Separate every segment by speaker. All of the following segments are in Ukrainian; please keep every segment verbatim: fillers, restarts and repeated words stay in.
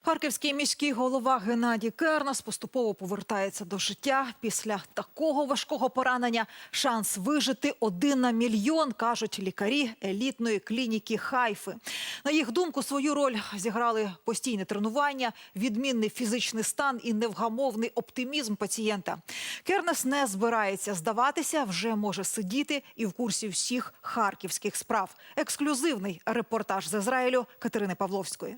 Speaker 1: Харківський міський голова Геннадій Кернес поступово повертається до життя. Після такого важкого поранення шанс вижити один на мільйон, кажуть лікарі елітної клініки Хайфи. На їх думку, свою роль зіграли постійне тренування, відмінний фізичний стан і невгамовний оптимізм пацієнта. Кернес не збирається здаватися, вже може сидіти і в курсі всіх харківських справ. Ексклюзивний репортаж з Ізраїлю Катерини Павловської.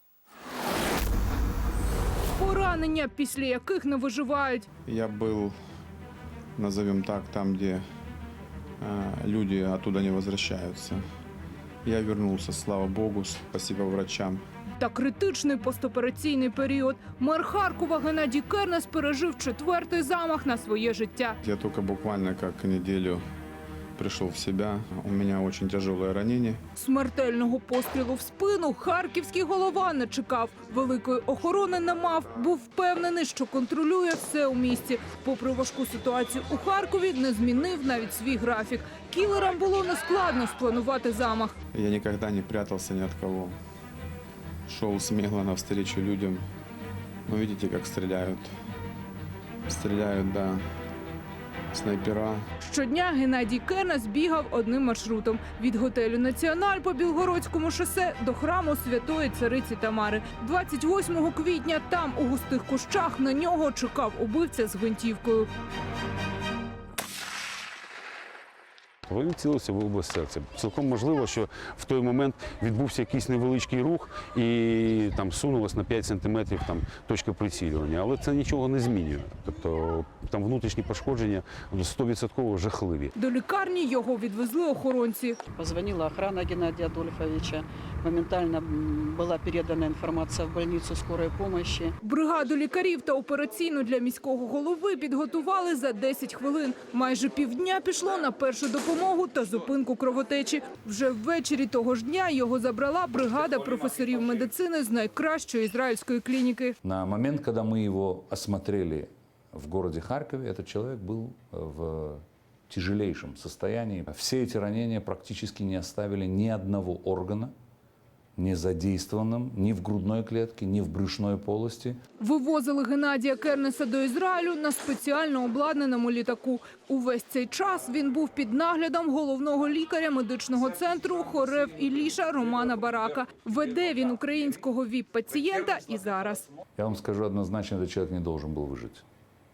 Speaker 2: Поранення, після яких не виживають.
Speaker 3: Я был, назовем так, там, где э, люди оттуда не возвращаются. Я вернулся, слава Богу, спасибо врачам.
Speaker 2: Та критичний постопераційний період. Мер Харкова Геннадій Кернес пережив четвертий замах на своє життя.
Speaker 3: Я только буквально как неделю пришел в себя. У меня очень тяжелое ранение.
Speaker 2: Смертельного пострілу в спину харківський голова не чекав. Великої охорони не мав. Був впевнений, що контролює все у місті. Попри важку ситуацію у Харкові, не змінив навіть свій графік. Кілерам було нескладно спланувати замах.
Speaker 3: Я никогда не прятался ни от кого. Шел смело навстречу людям. Ну, видите, как стреляют. Стреляют, да, снайпера.
Speaker 2: Щодня Геннадій Кернес бігав одним маршрутом – від готелю «Національ» по Білгородському шосе до храму Святої Цариці Тамари. двадцять восьмого квітня там, у густих кущах, на нього чекав убивця з гвинтівкою.
Speaker 4: Він цілився в область серця. Цілком можливо, що в той момент відбувся якийсь невеличкий рух і там сунулась на п'ять сантиметрів там, точка прицілювання. Але це нічого не змінює. Тобто там внутрішні пошкодження сто відсотків жахливі.
Speaker 2: До лікарні його відвезли охоронці.
Speaker 5: Позвонила охрана Геннадия Адольфовича. Моментально була передана інформація в больницю скорої допомоги.
Speaker 2: Бригаду лікарів та операційну для міського голови підготували за десять хвилин. Майже півдня пішло на першу допомогу та зупинку кровотечі. Вже ввечері того ж дня його забрала бригада професорів медицини з найкращої ізраїльської клініки.
Speaker 6: На момент, коли ми його осмотрели в городе Харькове, этот человек был в тяжелейшем состоянии. Все эти ранения практически не оставили ни одного органа не задействованным ні в грудной клетке, ні в брюшной полости.
Speaker 2: Вивозили Геннадія Кернеса до Ізраїлю на спеціально обладнаному літаку. Увесь цей час він був під наглядом головного лікаря медичного центру Хорев Іліша Романа Барака. Веде він українського віп-пацієнта і зараз.
Speaker 6: Я вам скажу однозначно, этот человек не должен был выжить.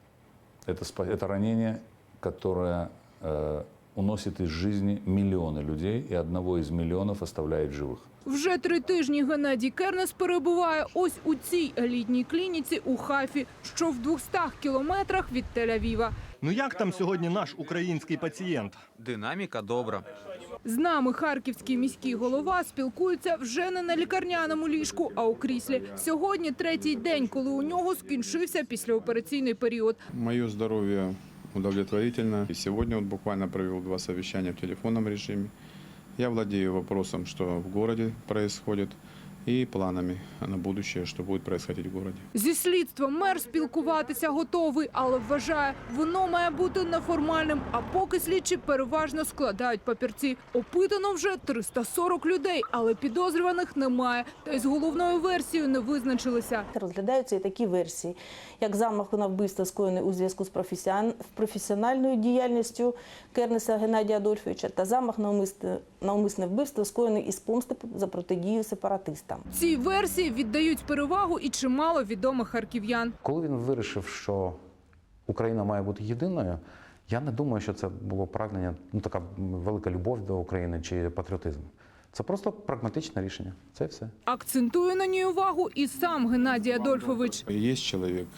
Speaker 6: Это, это ранение, которое э, уносит из жизни миллионы людей, и одного из миллионов оставляет живых.
Speaker 2: Вже три тижні Геннадій Кернес перебуває ось у цій елітній клініці у Хайфі, що в двохстах кілометрах від Тель-Авіва.
Speaker 7: Ну як там сьогодні наш український пацієнт?
Speaker 8: Динаміка добра.
Speaker 2: З нами харківський міський голова спілкується вже не на лікарняному ліжку, а у кріслі. Сьогодні третій день, коли у нього скінчився післяопераційний період.
Speaker 3: Моє здоров'я удовлетворительно. И сегодня вот буквально провел два совещания в телефонном режиме. Я владею вопросом, что в городе происходит, и планами на будущее, что будет происходить в городе.
Speaker 2: Зі слідством мер спілкуватися готовий, але вважає, воно має бути неформальним, а поки слідчі переважно складають папірці. Опитано вже триста сорок людей, але підозрюваних немає. Та й з головною версією не визначилися.
Speaker 9: Розглядаються і такі версії, як замах на вбивство, скоєний у зв'язку з професіональною діяльністю Кернеса Геннадія Адольфовича, та замах на умисне, на умисне вбивство, скоєний із помсти за протидію сепаратистам.
Speaker 2: Цій версії віддають перевагу і чимало відомих харків'ян.
Speaker 10: Коли він вирішив, що Україна має бути єдиною, я не думаю, що це було прагнення, ну така велика любов до України чи патріотизм. Це просто прагматичне рішення. Це все.
Speaker 2: Акцентує на ній увагу і сам Геннадій Адольфович.
Speaker 3: Є чоловік,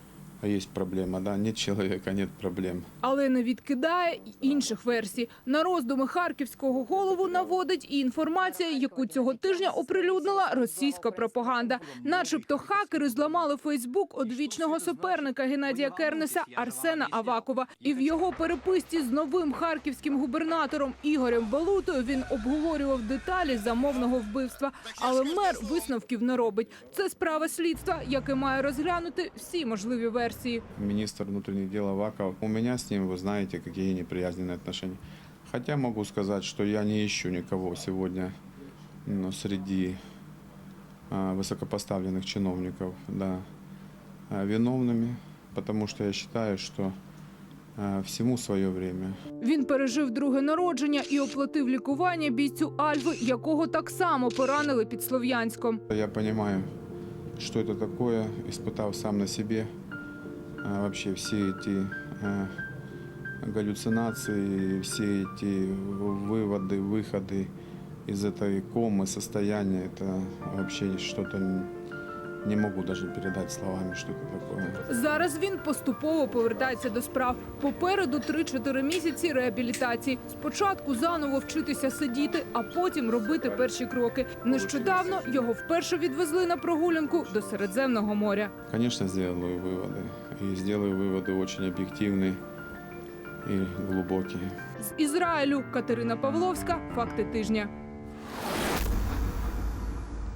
Speaker 3: а є проблема, да? Нет чоловіка, нет проблем.
Speaker 2: Але не відкидає й інших версій. На роздуми харківського голову наводить і інформація, яку цього тижня оприлюднила російська пропаганда. Начебто хакери зламали Фейсбук одвічного суперника Геннадія Кернеса Арсена Авакова. І в його переписці з новим харківським губернатором Ігорем Балутою він обговорював деталі замовного вбивства. Але мер висновків не робить. Це справа слідства, яке має розглянути всі можливі версії.
Speaker 3: Министр внутренних дел Аваков. У меня с ним, вы знаете, какие неприязненные отношения. Хотя могу сказать, что я не ищу никого сегодня, но среди а, высокопоставленных чиновников, да, а, виновными, потому что я считаю, что а, всему свое время.
Speaker 2: Він пережив друге народження і оплатив лікування бійцю Альфи, якого так само поранили під Слов'янськом.
Speaker 3: Я понимаю, что это такое, испытав сам на себе а, вообще все эти а, галлюцинации, все эти выводы, выходы из этой комы, состояния. Это вообще что-то не могу даже передать словами, что это такое.
Speaker 2: Зараз він поступово повертається до справ. Попереду три-чотири місяці реабілітації. Спочатку заново вчитися сидіти, а потім робити перші кроки. Нещодавно його вперше відвезли на прогулянку до Середземного моря.
Speaker 3: Конечно, сделаю выводы. И сделаю выводы очень объективные и глубокие.
Speaker 2: З Ізраїлю Катерина Павловська. Факти тижня.